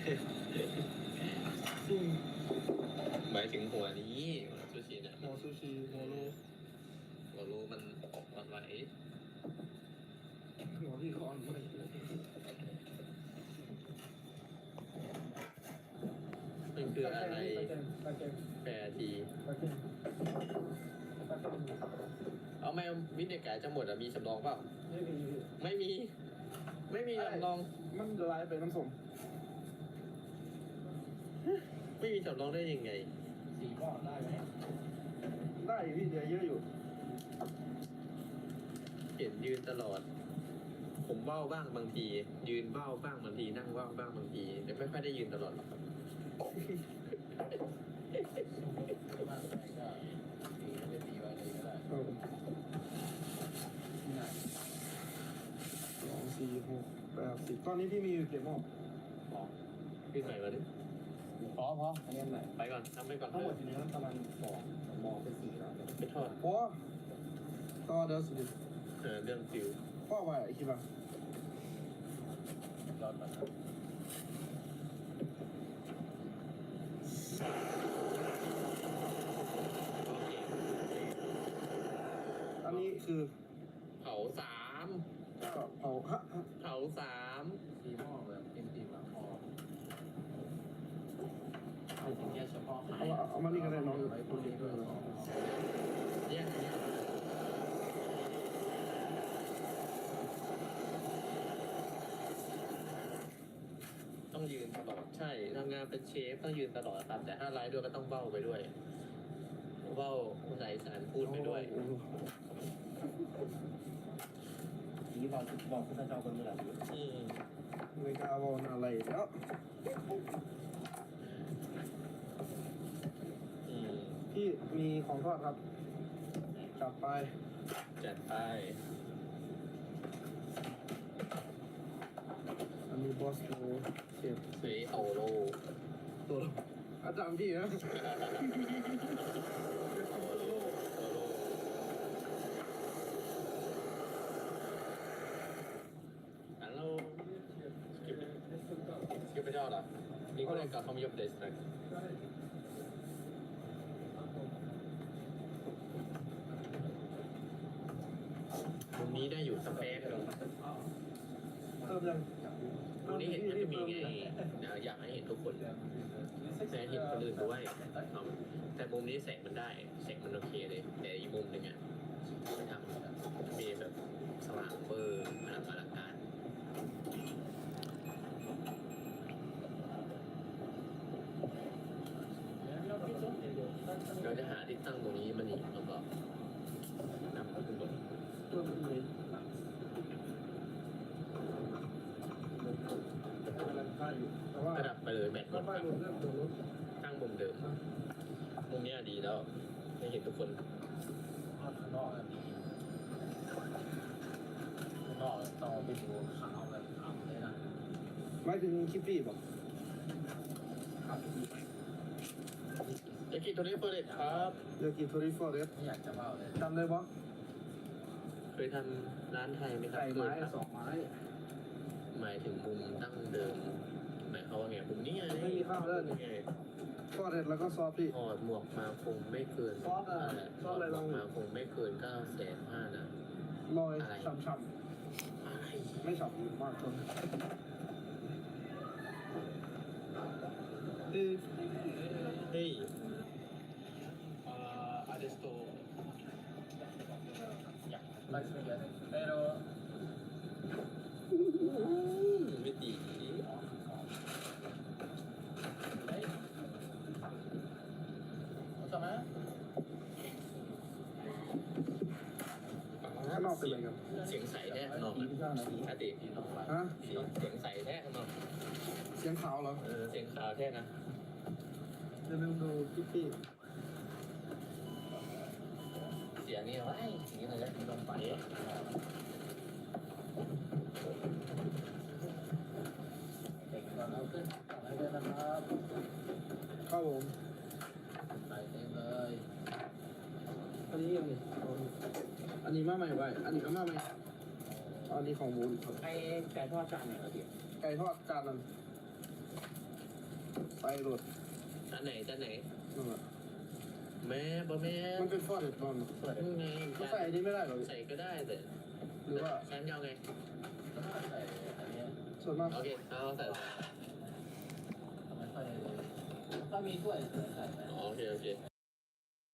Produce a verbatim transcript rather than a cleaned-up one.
จริงหมายถึงหัวนี้หัวซูชิเนี่ยหัวซูชิหัวโลหัวโลมันอ่อนไหวหัวพี่คอนไม่มันคืออะไรปลาเค็มแปรทีปลาเค็มปลาเค็มเอาไม่วินิจการจะหมดอะมีสำรองเปล่าไม่มีไม่มี ไม่มีสำรองมันละลายไปน้ำส้มไม่มีสำรองได้ยังไงสี่ก้อนได้ไหมได้พี่เดียเยอะอยู่เห็นยืนตลอด ผมเบ้าบ้างบางที ยืนเบ้าบ้างบางทีนั่งเบ้าบ้างบางทีแต่ไม่ค่อยได้ยืนตลอดหรอกครับมากไปก็ตีไม่ได้ตีไว้เลยก็ได้เออที่ไหนสองสี่หกแปดสิบตอนนี้พี่มีอยู่เก็บหม้อสองพี่ใส่มาดิพอพออันนี้อันไหนไปก่อนทำไปก่อนทั้งหมดทีนี้ประมาณสองมองเป็นสี่แล้วไปทอดโอ้ต่อเดี๋ยวสิเออเรื่องฟิวพ่อไว้ไอ้คิดว่ายอดมันโอเคอันนี้คือเผาสามก็เผาฮะฮะเผาสามสี่หม้อแบบเต็มตีหลังพอเอาถึงแค่เฉพาะเอามาเอามานี่ก็ได้น้องไปพูดเองด้วยสองเนี่ยเนี่ยต้องยืนตลอดใช่ทำงานเป็นเชฟต้องยืนตลอดครับแต่ถ้าไลฟ์ด้วยก็ต้องเบ้าไปด้วยเบ้าภาษาอีสานพูดไปด้วยทีบอกบอกคุณเจ้าคนเมื่อไหร่อืมไม่กล้าบอกอะไรแล้วอืมพี่มีของทอดครับจัดไปจัดไปอันนี้บอสโลเก็บเซโอโลตัวอาจารย์พี่นะ Hallå. Ska vi, ska vi göra? Ni går inte att de jobbar det strax. มุมนี้ได้อยู่สเปซเพิ่มยังมุมนี้เห็นมันจะมีไงนะอยากให้เห็นทุกคนแต่เห็นคนอื่นด้วยเอาแต่มุมนี้แสงมันได้แสงมันโอเคเลย แต่อีกมุมหนึ่งอ่ะไปทำมีแบบสว่างเบอร์อลังการอลังการ เราจะหาที่ตั้งตรงนี้มันอีกแล้วก็นำขึ้นบนเพิ่มอีกเลยกำลังค่าอยู่แต่ว่ากระดับไปเลยแบตหมก็ดป้ายรถเรื่องตัวรถตั้งมุมเดิมมุมนี้ดีแล้วให้เห็นทุกคนข้างนอกอันนี้ข้างนอกต้องไปดูขาวแบบขาวเลยนะหมายถึงคลิปปี้บอกขาวดีไหมเอกิโทริเฟอร์เรตครับเดี๋ยวกินโทริฟอร์เรสไม่อยากจะเล่าเลยจำได้ปะเคยทำร้านไทยไหมครับไก่ไม้เคยครับสองไม้หมายถึงมุมตั้งเดิมหมายความว่าไงมุมนี้ไงไม่มีข้าวเลยนี่ไงฟอร์เรสแล้วก็ซอสพี่ถอดหมวกมาคงไม่เกินซอสอะไรถซออสดอะไรหมลวอก งมาคงไม่เกินเก้าแสนห้านะลอยอะไรฉ่ำอะไรๆไม่ฉ่ำมากจนเออเฮ้ยอ่าอาร์เดสโตอยากไล่ช่วยเยอะเลยแต่เราไม่ดีเฮ้ยเอาต่อมาข้างนอกเป็นอะไรกันเสียงใสแท้ข้างนอกดีที่สร้างนะดีอาติดีน้องไปฮะเสียงเสียงใสแท้ข้างนอกเสียงขาวเหรอเออเสียงขาวแท้นะเดี๋ยวลืมดูคลิปปี้เสียงนี่ว่าไอ้อย่างนี้เลยนะลงไปเด็กก่อนเอาขึ้นต่อให้ด้วยนะครับครับผมใส่เต็มเลยอันนี้ยังไงเอาอันนี้มาใหม่ไปอันนี้ก็มาใหม่อันนี้ของหมูครับไอ้ไก่ทอดจานไหนครับพี่ไก่ทอดจานนั้นไปรถอันไหนจานไหนนั่นแหละแม่บะแม่มันเป็นฟอร์เรสตอนเปิดนี่ไงเขาใส่อันนี้ไม่ได้หรอใส่ก็ได้แต่หรือว่าแซมยาวไงใส่อันนี้ส่วนมากโอเคเอาใส่ไม่ค่อยก็มีถ้วยใส่อ๋อโอเคโอเค